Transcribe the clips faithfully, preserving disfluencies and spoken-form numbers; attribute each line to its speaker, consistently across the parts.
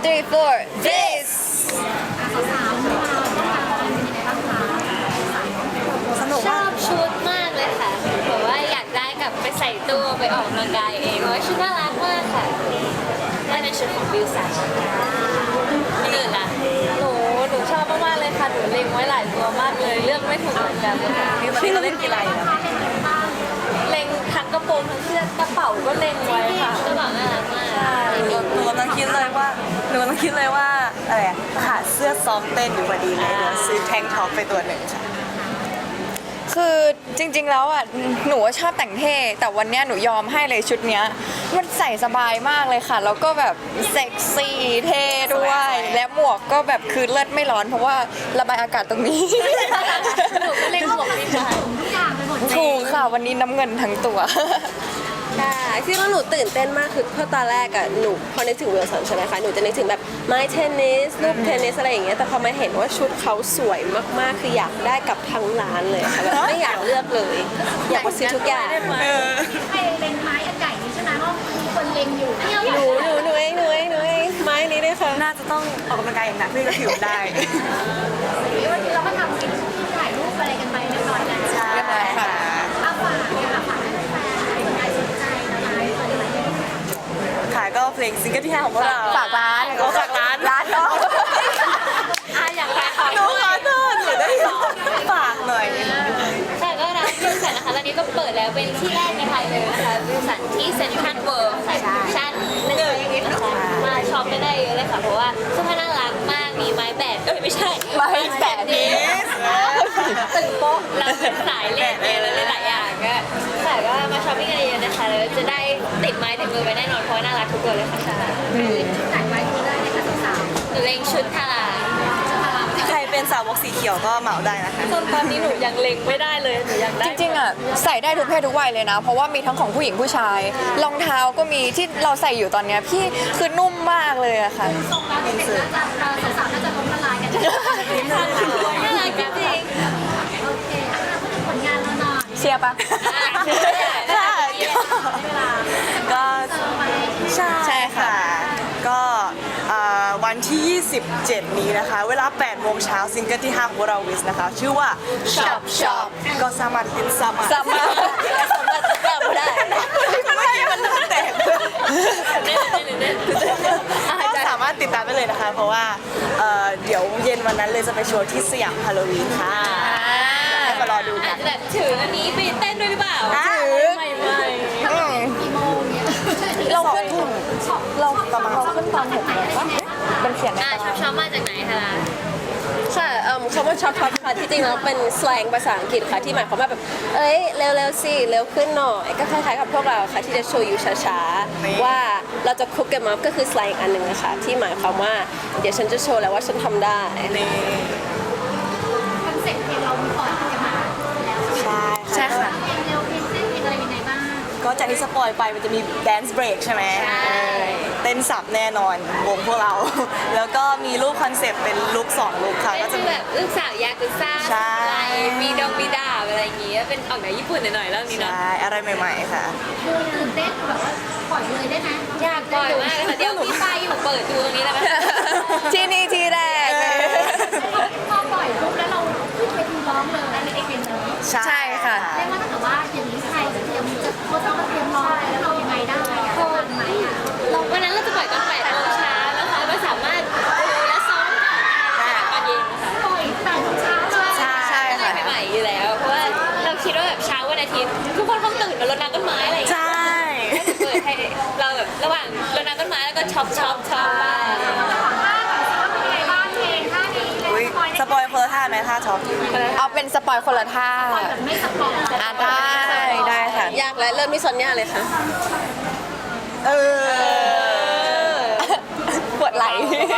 Speaker 1: three four this
Speaker 2: ชอบชุดมากเลยค่ะแบบว่าอยากได้กลับไปใส่ตู้ไปออกกำลังกายเองเพราะว่าชุดน่ารักมากค่ะได้เป็นชุดของบิวสันคนอื่นล่ะ
Speaker 1: หนูหนูชอบมากๆเลยค่ะหนูเล็งไว้หลายตัวมากเลยเลือกไม่ถูกเหมือนกันเลยค่ะ
Speaker 3: พี่ตอนนี้เราเล่นกีฬาอยู่นะ
Speaker 1: เล็งทั้งกระโปรงทั้งเสื้อกระเป๋าก็เล็งไว้ค่ะ
Speaker 2: ก็บอกน่ารักมาก
Speaker 3: หนูหนูกำลังคิดเลยว่าหนูกำลังคิดเลยว่าอะไรอะขาดเสื้อซ้อมเต้นอยู่พอดีเลยเดี๋ยวซื้อแทงท็อปไปตัวหนึ่งค่ะ
Speaker 1: คือจริงๆแล้วอ่ะหนูชอบแต่งเท่แต่วันเนี้ยหนูยอมให้เลยชุดเนี้ยมันใส่สบายมากเลยค่ะแล้วก็แบบเซ็กซี่เท่ด้วยและหมวกก็แบบคือเลิศไม่ร้อนเพราะว่าระบายอากาศตรงนี้
Speaker 2: หนูก็เล่นหมวกไม่ได้
Speaker 1: ถูกค่ะวันนี้น้ำเงินทั้งตัว
Speaker 4: ใช่ที่ว่าหนูตื่นเต้นมากคือเพราะตอนแรกอะหนูพอนึกถึงวิลสันใช่ไหมคะหนูจะนึกถึงแบบไม้เทนนิสลูกเทนนิสอะไรอย่างเงี้ยแต่พอมาเห็นว่าชุดเขาสวยมากๆคืออยากได้กับทั้งร้านเลยค่ะแบบไม่อยากเลือกเลย อยากมาซื้อทุกอย่าง
Speaker 5: ใครเล็งไม้อันใหญ่นี้ใช่ไหมเพราะมีคนเล็งอยู่เที่ยว
Speaker 4: หนูหนูหนูเองหนูเองหนูเองไม้นี้ด้วยค่ะ
Speaker 3: น่าจะต้องออกกำลังกายอย่างหนักเพื่อจะผิวได้
Speaker 5: วันนี้เราก็ทำกินถ่ายรูปอะไรกันไปเรียบร้อยแล้ว
Speaker 3: ใช่ค่ะ
Speaker 5: เอาฝากค่ะฝากให้แฟนๆใครสนใจนะคะตอนนี้
Speaker 3: ค่ะก็เพลงซิงเกิลที่ห้าของพวกเรา
Speaker 1: ฝากร้าน
Speaker 3: ก็ฝากร้าน
Speaker 1: ร้านเนาะ
Speaker 2: อ่ะอย่างไรขอ
Speaker 3: หนูขอโทษหนูได้ฝากหน่อย
Speaker 2: ค่ะก็ร้านบิวสันนะคะตอนนี้ก็เปิดแล้วเป็นที่แรกในไทยเลยนะคะบิวสันที่เซ็นทรัลเวิลด์ชั้นหนึ่งนะคะมาช็อปกันได้เยอะเลยค่ะเพราะว่าเสื้อผ้าน่ารักมากมีไม้แบดเอ้ยไม่ใช่
Speaker 1: ไม้แบด
Speaker 2: นี้
Speaker 1: ตึงโป๊ะ
Speaker 2: เราเป็นสายเล่นเองแล้วเล่นหลายอย่างก็แต่ก็มาช้อปปิ้งกันเยอะๆนะคะแล้วจะได้ติดไม้ติดมือไปแน่นอนเพราะว่าน่ารักทุกตัวเลยค่ะ
Speaker 5: ถ่ายไว้ดูได้เลยค่ะสาว
Speaker 2: หนูเล็งชุดทารา
Speaker 3: ใครเป็นสาวกสีเขียวก็เหมาได้นะคะ
Speaker 1: จนตอนนี้หนูยังเล็งไม่ได้เลยหนูอยากได้จริงๆอ่ะใส่ได้ทุกเพศทุกวัยเลยนะ เพราะว่ามีทั้งของผู้หญิงผู้ชายรองเท้าก็มีที่เราใส่อยู่ตอนเนี้ยพี่คือนุ่มมากเลยอะค่ะ
Speaker 5: ๆทรงแล้วเด็กๆน่าจะสาวๆน่าจะล้มละลายกัน
Speaker 2: น่ารักจริง
Speaker 5: โอเคอ่ะพูดถึงผลงานเราหน่อย
Speaker 1: เชียร์ปะ
Speaker 3: ค่ะก็ใช่
Speaker 1: ใช่ค่ะ
Speaker 3: ค่ะ ก็อ่าวันที่ ยี่สิบเจ็ด นี้นะคะ เวลา แปดโมงเช้าซิงเกิลที่ห้าของพวกเราวิสนะคะ ชื่อว่า Shop Shop ก็สามารถติดสามารถ
Speaker 1: สามารถ
Speaker 3: สามารถติดตามได้ เมื่อกี้มันแตกก็สามารถติดตามได้เลยนะคะ เพราะว่าเอ่อเดี๋ยวเย็นวันนั้นเลยจะไปโชว์ที่สยามฮาโลวีนค่ะให้มารอดู
Speaker 2: ๆ
Speaker 3: กั
Speaker 2: อาจ
Speaker 3: น
Speaker 2: จะแบบถืออันนี้ไปเต้นด้วยหรือเปล่า
Speaker 1: ถือ
Speaker 2: ไม่ไม่
Speaker 1: อืม
Speaker 5: กี่โมงเนี่ย
Speaker 1: เราขึ้นเราประมาณเราขึ้นตอนหกโมงปะมันเขียนใน
Speaker 2: อ่า
Speaker 1: ตา
Speaker 2: ชอบชอบมาจากไหนคะ
Speaker 4: ค่ะเอิ่มคำว่าช็อปช็อปค่ะที่จริงแล้วเป็นสแลงภาษาอังกฤษค่ะที่หมายความว่าแบบเอ้ยเร็วๆสิเร็วขึ้นหน่อยก็คล้ายๆกับพวกเราค่ะที่จะโชว์อยู่ช้าๆว่าเราจะคุกกันมาก็คือสแลงอันหนึ่งนะคะที่หมายความว่าเดี๋ยวฉันจะโชว์แล้วว่าฉันทำได้
Speaker 3: นี่
Speaker 5: คอนเซ็ปต์เพลงเรามีปล่อยกันมาแล้ว
Speaker 3: ใช่
Speaker 1: ใช่ค่ะ
Speaker 5: เพลงเร็วเพลงเต้นเพลงอะไรยังไงบ้าง
Speaker 3: ก็จากที่สปอยไปมันจะมีแดนซ์เบรกใช่ไหมเออเต้นสับแน่นอนวงพวกเรา แล้วก็มีรูปคอนเซปต์เป็นลุคสองลุคค่ะ
Speaker 2: เป็
Speaker 3: ก็
Speaker 2: น
Speaker 3: จะ
Speaker 2: ฟีล
Speaker 3: มี
Speaker 2: แบบลูกสาวยากุซ่า
Speaker 3: ใช่
Speaker 2: มีดงมีดาบอะไรอย่างงี้เป็นออกแนวญี่ปุ่นหน่อยๆเรื่องนี้เนาะ
Speaker 3: ใช่อะไรใหม่ๆค่ะ
Speaker 5: ดูตื่นเต้นแบบว่าปล่อยเลยได้ไหม
Speaker 2: อยากบ่อยมากเลยค่ะเดี๋ยวพี่ไปอยู่เปิดดูตรงนี้แล้วไหม
Speaker 1: ที่นี่ที่แรก
Speaker 5: พอปล่อยปุ๊บแล้วเราขึ้นไปดูร้องเลยในเพลงนี้
Speaker 1: ใช่ค่ะ
Speaker 5: เรียกว่าถ้าเกิดว่าอย่างนี้ใครจะเตรียมจะโค้ชต้องมาเตรียมร้องอะไรแล้วเรายังไงได้อะทันไหมอะ
Speaker 2: เราวันนั้นเราจะปล่อยตอนแปดโมงเช้านะคะไม่สามารถดูและซ้อมได้ตอนเย็นนะคะ
Speaker 5: ปล่อยแปดโมงเช้าเลย
Speaker 3: ใช่
Speaker 1: ใช่
Speaker 2: อะไร
Speaker 1: ค่ะ
Speaker 2: ใหม่ๆอยู่แล้ว เพราะว่าเราคิดว่าแบบเช้าวันอาทิตย์ทุกคนคงตื่นมารดน้ำต้นไม้อะไรอย่าง
Speaker 3: ใช
Speaker 2: เงี้ย่ เปิดให้เราแบบระหว่างรดน้ำต้นไม้แล้วก็ช็อปช็อปช็อปบ้าง
Speaker 5: เป็นไงบ้างเพลงท่านี้เลย
Speaker 3: อุ๊ยสปอยคนละท่าไหมท่าช็อป
Speaker 1: เอาเป็นสปอยคนละท่า
Speaker 5: แบบไม่สปอย
Speaker 1: อ่าได้ได้ค่ะ
Speaker 4: ยากและเริ่มที่ซอนย่าเลยค่ะ
Speaker 3: เออ
Speaker 1: ปวดไหล่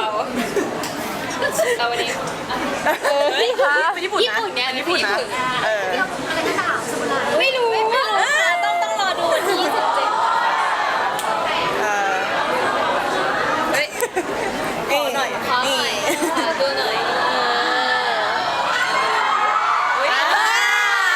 Speaker 2: เอาวันนี้
Speaker 1: เออพี่คะ
Speaker 3: เป็นญี่ปุ่น
Speaker 2: ญี่
Speaker 3: นะ
Speaker 2: ปุ่นเนี่ย
Speaker 3: ญี่ปุ่นนะ เออ
Speaker 5: อะไรก็ด่าสมุนไพร
Speaker 2: ไม่รู้ไม่รู้ต้องต้องรอดูวันที่ยี่สิบเจ็ด
Speaker 3: เออ
Speaker 2: เฮ้ย
Speaker 3: นี่หน่อย
Speaker 2: ขอหน่อยขอดูหน่อย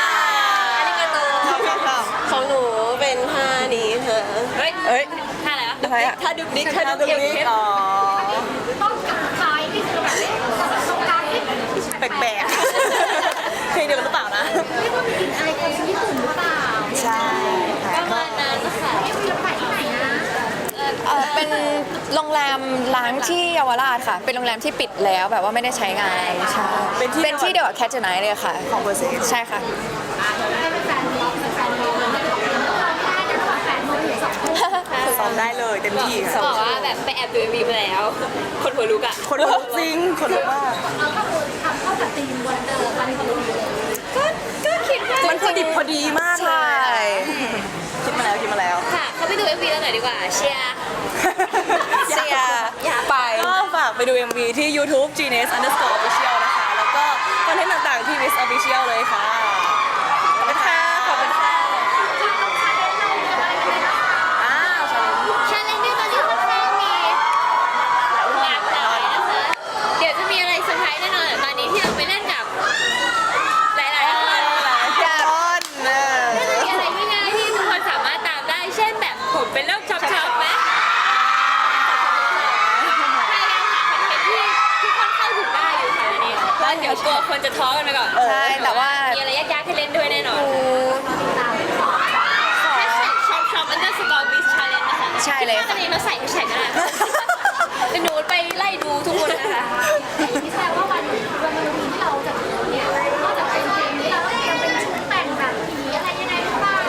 Speaker 4: ของหนูเป็นท่านี้ค่ะ
Speaker 2: เฮ้ย
Speaker 1: เอ้ย
Speaker 2: ท่าอะไรวะ
Speaker 1: อะไรอะ
Speaker 4: ถ้าดุกดิก
Speaker 3: ถ้า
Speaker 4: ถ้า
Speaker 3: ดู
Speaker 4: ดุกดิ
Speaker 3: นี้
Speaker 4: ก
Speaker 3: อ๋อ
Speaker 5: ต้องกับท้ายนี่คือแบบตรงกลางนี่
Speaker 3: แปลกๆเพลงเดียวกันหรือเปล่านะ
Speaker 5: เรียกว่ามีกลิ่นอายคนญี่ปุ่นหรือเปล่า
Speaker 3: ใช่ค่ะ
Speaker 2: ประมาณนั้นค่ะ
Speaker 5: เรียกว่าไปที่ไหนนะ
Speaker 1: เอ่อเป็นโรงแรมล้างที่เยาวราชค่ะ เป็นโรงแรมที่ปิดแล้วแบบว่าไม่ได้ใช้งานใช่
Speaker 3: เป็นที่
Speaker 1: เป็นที่เดียวกับแคทเจอร์ไนท์เลยค่ะ
Speaker 3: ของเบอร์เซน
Speaker 1: ใช่ค่ะ
Speaker 5: ให้เป็นแฟนบอลเป็นแฟนบอลไม่ได้บอกว่าเราไม่ได้นะระหว่างแปดโมงถึงสองทุ่ม
Speaker 3: ซ้อมได้เลยเต็มที่
Speaker 2: บ
Speaker 3: ค่ะ
Speaker 2: อกว่าแบบไปแอบดูเอ็มวีมาแล้ว คนหัวลุกอ่ะ
Speaker 3: คนลุกจริงคนลุกมาก
Speaker 5: เราก็คือทำเข้ากับธีมวันเดอร์วันพอดีเลย
Speaker 2: ก็ก็คิดว่า
Speaker 3: มันพอดิบพอดีมากเลย
Speaker 1: ใช่
Speaker 3: คิดมาแล้วคิดมาแล้ว
Speaker 2: ค่ะ เขาไปดูเอ็มวีแล้วหน่อยดีกว่า เชียร์
Speaker 1: เสียไป
Speaker 3: ก็ฝากไปดู เอ็ม วี ที่ YouTube Genius Underscore Official นะคะ แล้วก็คอนเทนต์ต่างๆที่ Miss Official เลยค่ะ ขอบคุณค่ะ ขอบคุณค่ะอ้าวชาเลนจ์
Speaker 2: ชาเลนจ์ที่ตอนนี้ค่อนข้างมีหลากหลายนะคะ เดี๋ยวจะมีอะไรเซอร์ไพรส์แน่นอนแต่ตอนนี้ที่เราไปเล่นกับหลายๆคน
Speaker 3: อยากต้นเออ
Speaker 2: น่าจะมีอะไรง่ายๆที่ทุกคนสามารถตามได้ เช่นแบบผมเป็นโรคช็อปช็อปไหมพยายามหาคอนเทนต์ที่ทุกคนเข้าถึงได้อยู่ค่ะอันนี้แล้วเดี๋ยวกลัวคนจะท้อกันไปก่อน
Speaker 1: ใช่แต่ว่า
Speaker 2: มีอะไรยากๆให้เล่นด้วยแน่นอน
Speaker 1: หนูขอ
Speaker 2: แฮชแท็กช็อปช็อปอันเดอร์สกอร์บิสชาเลนจ์นะคะ
Speaker 1: ใช่เลยค่ะ
Speaker 2: ถ้ากันเองเราใส่แฮชแท็กก็ได้แต่หนูไปไล่ดูทุกคนนะคะ
Speaker 5: อย่างนี้แสดงว่าวันวันวันที่เราจะถึงเนี่ยนอกจากเป็นเพลงนี้เราต้องยังเป็นชุดแต่งแบบผีอะไรยังไงหรือเปล่าร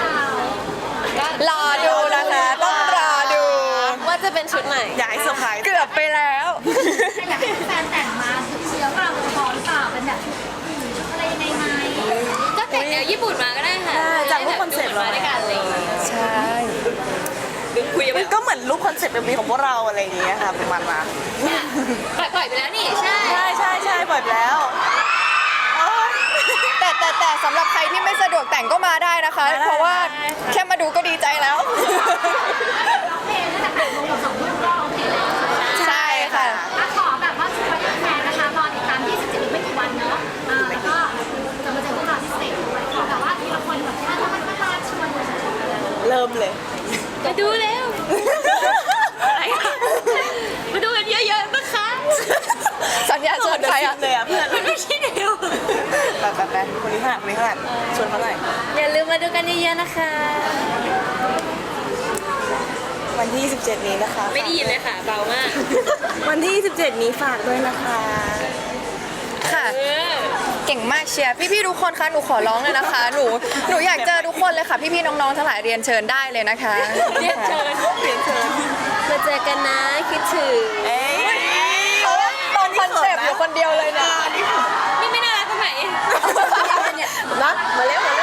Speaker 1: อดูนะคะ ต้องรอดู
Speaker 4: ว่าจะเป็นชุดไหน
Speaker 3: อยากให้เซอร์ไพรส์
Speaker 1: เกือบไปแล้ว
Speaker 5: อยากให้แฟนแต่งมาถึงเชื้อเราพอหรือเปล่าเป็นแบบชุดผีชุดอะไรยังไงไหม
Speaker 2: ก็แต่งแนวญี่ปุ่นมาก็ได้ค่ะ
Speaker 3: ได้จากรูปคอนเซ็ปต์
Speaker 2: เรา
Speaker 3: เรา
Speaker 2: ด้วยกันอะไรอย่างเงี้ย
Speaker 1: ใช่
Speaker 2: หรือคุยกัน
Speaker 3: มั
Speaker 2: แบ
Speaker 3: น
Speaker 2: บ
Speaker 3: ก็เหมือนรูปคอนเซ็ปต์ เอ็ม วี ของพวกเราอะไรอย่างเงี้ยค่ะประมาณนั้น
Speaker 2: ปล่อยปล่อยไปแล้วนี่ใช่
Speaker 3: ใช่ใช่ใช่ปล่อยไปแล้วโอ๊ย
Speaker 1: แต่แต่แต่สำหรับใครที่ไม่สะดวกแต่งก็มาได้นะคะ
Speaker 3: มาได้
Speaker 1: เพราะว่าแค่มาดูก็ดีใจแล้ว
Speaker 5: ร้องเพลงตั้งแต่แปดโมงถึงสองทุ่มก็โอเคแล้ว
Speaker 1: ใช่ค่ะ
Speaker 5: อ่ะขอแบบว่าชวนแฟนๆนะคะรอติดตามยี่สิบเจ็ดอีกไม่กี่วันเนาะอ่าแล้วก็จะมาเจอพวกเราที่สเตจด้วยขอแบบว่าทีละคนแบบถ้ามันก็มาชวนเลย
Speaker 3: เริ่มเลย
Speaker 2: มาดูเร็วอะไรอะมาดูกันเยอะๆนะคะ
Speaker 1: สัญญาชวนใครอ่ะ
Speaker 3: เลยอ่ะเพื่อน
Speaker 2: มันไม่ใช่เร็ว
Speaker 3: ไปไปไปคนนี้ขนาดคนนี้ขนาดชวนเขาหน่อย
Speaker 2: อย่าลืมมาดูกันเยอะๆนะคะ
Speaker 3: วันที่ยี่สิบเจ็ดนี้นะคะ
Speaker 2: ไม่ได้ยินเลยค่ะเบามาก
Speaker 3: วันที่ยี่สิบเจ็ดนี้ฝากด้วยนะคะ
Speaker 1: ค่ะ
Speaker 2: เออ
Speaker 1: เก่งมากเชียร์พี่ๆทุกคนคะหนูขอร้องเลยนะคะ หนูหนูอยากเจอทุกคนเลยค่ะ พี่ๆน้องๆทั้งหลายเรียนเชิญได้เลยนะคะ
Speaker 2: เรียนเชิญ
Speaker 3: เรียนเชิญ
Speaker 4: มาเจอกันนะคิดถึง
Speaker 3: เอ้ย
Speaker 1: เขาตรงคอนเซปต์อยู่คนเดียวเลยนะ
Speaker 2: นี่ไม่น่ารักตรงไหน
Speaker 4: นะมาเร็วมาเร็ว